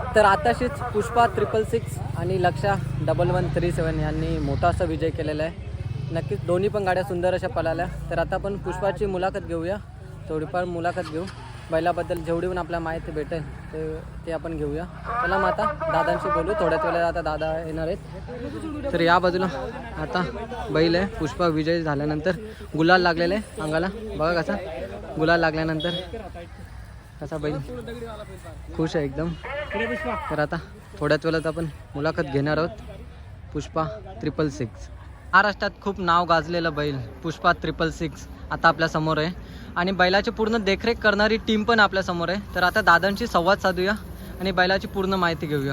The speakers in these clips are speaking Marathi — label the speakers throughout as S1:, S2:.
S1: तर आताशीच पुष्पा 666 आणि लक्षा 1137 यांनी मोठा असा विजय केलेला आहे. नक्कीच दोन्ही पण गाड्या सुंदर अशा पळाल्या. तर आता आपण पुष्पाची मुलाखत घेऊया, थोडीफार मुलाखत घेऊ. बैलाबद्दल जेवढी पण आपल्याला माहिती भेटेल ते आपण घेऊया. चला मग आता दादांशी बोलू. थोड्याच वेळेला आता दादा येणार आहेत. तर या बाजूला आता बैल आहे. पुष्पा विजय झाल्यानंतर गुलाल लागलेला आहे अंगाला, बघा कसा गुलाल लागल्यानंतर कसा बैल खुश आहे एकदम. तर आता थोड्याच वेळात आपण मुलाखत घेणार आहोत. पुष्पा 666 महाराष्ट्रात खूप नाव गाजलेलं बैल पुष्पा 666 आता आपल्या समोर आहे आणि बैलाची पूर्ण देखरेख करणारी टीम पण आपल्या समोर आहे. तर आता दादांशी संवाद साधूया आणि बैलाची पूर्ण माहिती घेऊया.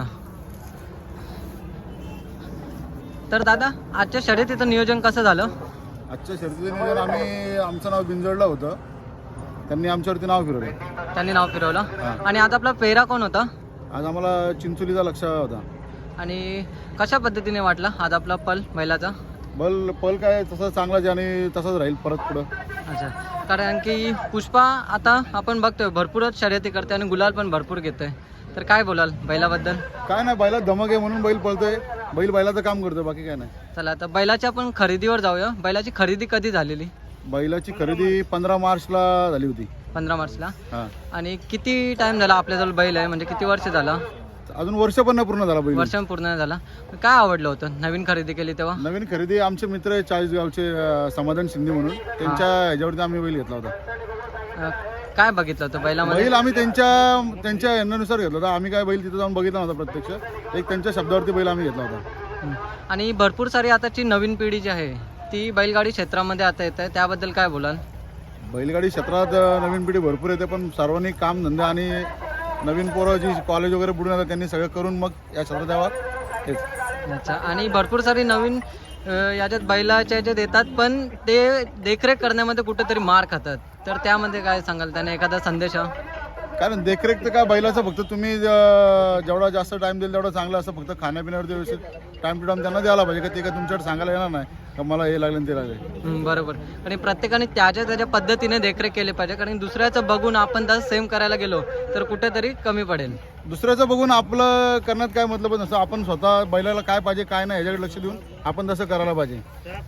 S1: तर दादा, आजच्या शर्यतीचं नियोजन कसं झालं?
S2: आजच्या शर्यतीचं नियोजन आमचं नाव बिंजोडला होतं, त्यांनी आमच्यावरती नाव फिरवलं.
S1: त्यांनी नाव फिरवलं. आणि आज आपला पेहरा कोण होता?
S2: आज आम्हाला चिंचोलीचा लक्ष होता.
S1: आणि कशा पद्धतीने वाटला आज आपला पल बैलाचा?
S2: पल काय तसं चांगलाच आणि तसंच राहील परत पुढं.
S1: अच्छा, कारण की पुष्पा आता आपण बघतोय भरपूरच शर्यती करते आणि गुलाल पण भरपूर घेतोय. तर काय बोलाल बैलाबद्दल?
S2: काय नाही, बैला धमक आहे म्हणून बैल पळतोय. बैल बैलाचं काम करतोय, बाकी काय नाही.
S1: चला आता बैलाच्या आपण खरेदीवर जाऊया. बैलाची खरेदी कधी झालेली?
S2: बैलाची खरेदी 15 मार्चला झाली होती.
S1: 15 मार्चला.
S2: हां.
S1: आणि किती टाइम झाला आपल्याजवळ बैल आहे, म्हणजे किती वर्ष झाला?
S2: अजून वर्ष पण नाही पूर्ण झाला बैल.
S1: वर्ष पूर्ण नाही झाला. काय आवडलं होतं नवीन खरेदी केली तेव्हा?
S2: नवीन खरेदी आमचे मित्र आहे चाळीसगावचे समाधान शिंदे म्हणून, त्यांच्या ह्याच्यावरती आम्ही बैल घेतला होता.
S1: काय बघितलं होतं बैलामध्ये?
S2: बैल आम्ही त्यांच्या यांनुसार घेतला होता. आम्ही काय बैल तिथे जाऊन बघितला नव्हता प्रत्यक्ष, एक त्यांच्या शब्दावरती बैल आम्ही घेतला होता.
S1: आणि भरपूर सारी आताची नवीन पिढी जी आहे ती बैलगाडी क्षेत्रामध्ये आता येत आहे, त्याबद्दल काय बोलाल?
S2: बैलगाडी क्षेत्रात नवीन पिढी भरपूर येते, पण सर्वांनी काम धंदे आणि नवीन पोरं जी कॉलेज वगैरे बुडून येतात त्यांनी सगळं करून मग या क्षेत्रात यावं हेच.
S1: अच्छा, आणि भरपूर सारी नवीन याच्यात बैलाच्या याच्यात येतात, पण ते देखरेख करण्यामध्ये कुठेतरी मार खातात. तर त्यामध्ये काय सांगाल, त्याने एखादा संदेश?
S2: कारण देखरेख तर काय बैलाचं फक्त तुम्ही जेवढा जास्त टाइम देईल तेवढं चांगलं असं. फक्त खाण्यापिण्यावरती व्यवस्थित टाइम टू टाइम त्यांना द्यायला पाहिजे. का ते काय तुमच्याकडे सांगायला येणार नाही का मला हे लागलं ते लागले.
S1: बरोबर. आणि प्रत्येकाने त्याच्या पद्धतीने देखरेख केली पाहिजे, कारण दुसऱ्याचं बघून आपण तसं सेम करायला गेलो तर कुठेतरी कमी पडेल.
S2: दुसऱ्याचं बघून आपलं करण्यात काय मतलब नसतं. आपण स्वतः बैलाला काय पाहिजे काय नाही ह्याच्याकडे लक्ष देऊन आपण तसं करायला पाहिजे.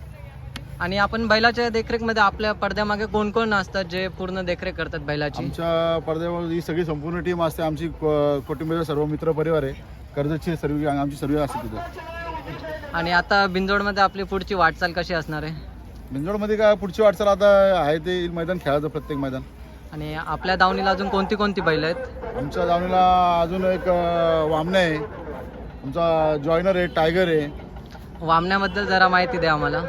S1: आणि आपण बैलाच्या देखरेखमध्ये आपल्या पडद्यामागे कोण कोण असतात जे पूर्ण देखरेख करतात बैलाची?
S2: आमच्या पडद्यावर ही सगळी संपूर्ण टीम असते. आमची कुटुंबाचा सर्व मित्र परिवार आहे. कर्जतची सर्व आमची सर्व असते तिथं.
S1: आणि आता बिंजोडमध्ये आपली पुढची वाटचाल कशी असणार आहे?
S2: बिंजोडमध्ये काय पुढची वाटचाल आता आहे ते मैदान खेळायचं, प्रत्येक मैदान.
S1: आणि आपल्या दावणीला अजून कोणती कोणती बैल आहेत?
S2: आमच्या दावणीला अजून एक वामने आहे, आमचा जॉयनर आहे, टायगर आहे.
S1: वामण्याबद्दल जरा माहिती द्या आम्हाला.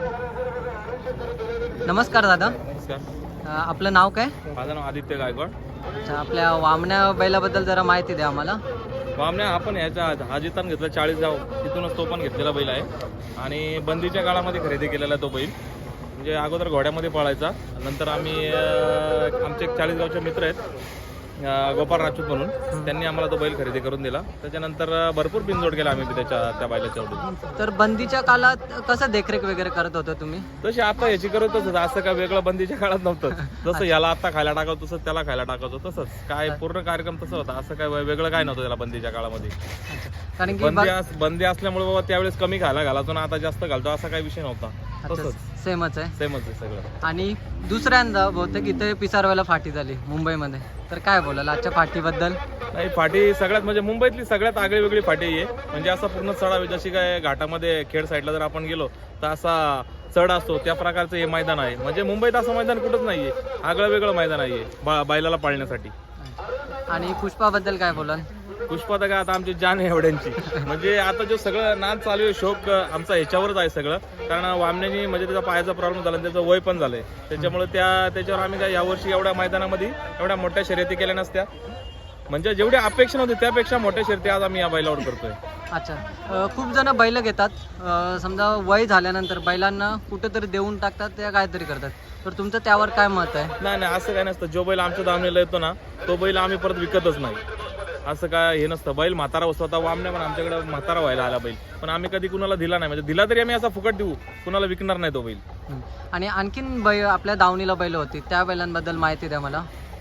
S1: नमस्कार दादा.
S3: नमस्कार.
S1: आपलं नाव काय?
S3: माझं नाव आदित्य गायकवाड.
S1: अच्छा, आपल्या वामण्या बैलाबद्दल जरा माहिती द्या आम्हाला.
S3: वामण्या आपण ह्याच्या हा जितान घेतला 40 गाव, तिथूनच तो पण घेतलेला बैल आहे. आणि बंदीच्या काळामध्ये खरेदी केलेला तो बैल. म्हणजे अगोदर घोड्यामध्ये पळायचा, नंतर आम्ही आमचे 40 गावचे मित्र आहेत गोपाळ राजपूत म्हणून, त्यांनी आम्हाला तो बैल खरेदी करून दिला. त्याच्यानंतर भरपूर बिनजोड केला आम्ही त्या बैलाच्या एवढी.
S1: तर बंदीच्या काळात कसं देखरेख वगैरे करत होता तुम्ही?
S3: तशी आता ह्याची करतच होतं, असं काय वेगळं बंदीच्या काळात नव्हतं. जसं याला आता खायला टाकावं तसंच त्याला खायला टाकायचं, तसंच काय पूर्ण कार्यक्रम तसं होता. असं काय वेगळं काय नव्हतं त्याला बंदीच्या काळामध्ये.
S1: कारण की
S3: बंदी असल्यामुळे बाबा त्यावेळेस कमी खायला घालायचो ना, आता जास्त घालतो, असा काही विषय नव्हता. तसंच
S1: सेमच आहे.
S3: सेमच आहे सगळं.
S1: आणि दुसऱ्यांदा बहुतेक इथे पिसारवायला फाटी झाली मुंबईमध्ये, तर काय बोलाल आजच्या फाटीबद्दल?
S3: नाही, फाटी सगळ्यात म्हणजे मुंबईतली सगळ्यात आगळी वेगळी फाटी आहे. म्हणजे असा पूर्ण चढाव, जशी काय घाटामध्ये खेड साईडला जर आपण गेलो तर असा चढ असतो त्या प्रकारचं हे मैदान आहे. म्हणजे मुंबईत असं मैदान कुठंच नाहीये, आगळं वेगळं मैदान आहे बैलाला पाळण्यासाठी.
S1: आणि पुष्पाबद्दल काय बोलाल?
S3: पुष्पा तर काय आता आमची जान आहे एवढ्यांची. म्हणजे आता जो सगळं नाद चालू आहे, शोक आमचा ह्याच्यावरच आहे सगळं. कारण वामण्यानी म्हणजे त्याचा पायाचा प्रॉब्लेम झाला, त्याचं वय पण झालंय. त्याच्यामुळे त्याच्यावर आम्ही काय यावर्षी एवढ्या मैदानामध्ये एवढ्या मोठ्या शर्यती केल्या नसत्या. म्हणजे जेवढी अपेक्षा नव्हती त्यापेक्षा मोठ्या शर्यती आज आम्ही या बैलावर करतोय.
S1: अच्छा, खूप जण बैल घेतात, समजा वय झाल्यानंतर बैलांना कुठेतरी देऊन टाकतात, ते काहीतरी करतात. तर तुमचं त्यावर काय मत आहे?
S3: नाही नाही, असं काय नसतं. जो बैल आमच्या दावणीला येतो ना, तो बैल आम्ही परत विकतच नाही, असं काय हे नसतं. बैल म्हातारा असतो. आता वामण्या पण आमच्याकडे म्हातारा व्हायला आला बैल, पण आम्ही कधी कुणाला दिला नाही. म्हणजे दिला तरी आम्ही असा फुकट देऊ, कुणाला विकणार नाही तो बैल.
S1: आणि आणखीन आपल्या दावणीला बैल होती, त्या बैलांबद्दल माहिती द्या मला.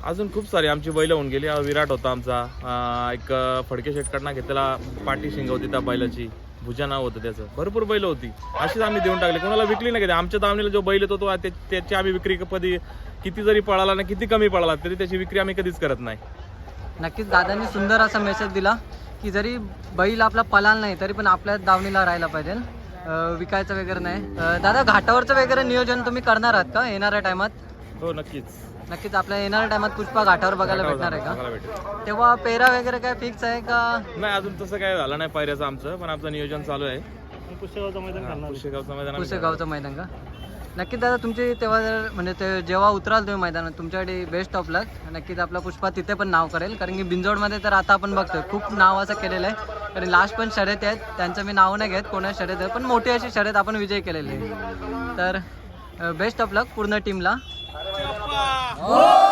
S3: अजून खूप सारी आमची बैलं होऊन गेली. विराट होता आमचा, एक फडके शेटकडनं घेतलेला पाटी शिंग होती त्या बैलाची, भुजा नाव होतं त्याचं. भरपूर बैल होती, अशीच आम्ही देऊन टाकली, कोणाला विकली नाही. आमच्या दावणीला जो बैल येतो तो त्याची आम्ही विक्री कधी किती जरी पळाला ना किती कमी पळाला तरी त्याची विक्री आम्ही कधीच करत नाही.
S1: नक्कीच दादांनी सुंदर असा मेसेज दिला की जरी बैल आपला पळाला नाही तरी पण आपल्या दावणीला राहायला पाहिजे, विकायचं वगैरे नाही. दादा घाटावरचं वगैरे नियोजन तुम्ही करणार आहात का येणाऱ्या टायमात?
S3: हो नक्कीच.
S1: नक्कीच आपल्या येणाऱ्या टायमात पुष्पा घाटावर बघायला भेटणार आहे
S3: बघायला
S1: का?
S3: भेटेल.
S1: तेव्हा पेरा वगैरे काय फिक्स आहे का?
S3: नाही अजून तसं काय झालं नाही पायऱ्याचं आमचं, पण आमचं नियोजन चालू आहे. पुष्यगावचं मैदान आम्ही
S1: पुसेगावचं मैदान का? नक्कीच दादा तुमची तेव्हा म्हणजे ते जेव्हा उतराल तुम्ही मैदानात तुमच्याकडे बेस्ट ऑफ लक. नक्कीच आपला पुष्पा तिथे पण नाव करेल, कारण की बिंजोडमध्ये तर आता आपण बघतोय खूप नाव असं केलेलं आहे. कारण लास्ट पण शर्यत आहेत, त्यांचं मी नाव नाही घेत कोणा शर्यत आहे, पण मोठी अशी शर्यत आपण विजय केलेली आहे. तर बेस्ट ऑफ लक पूर्ण टीमला.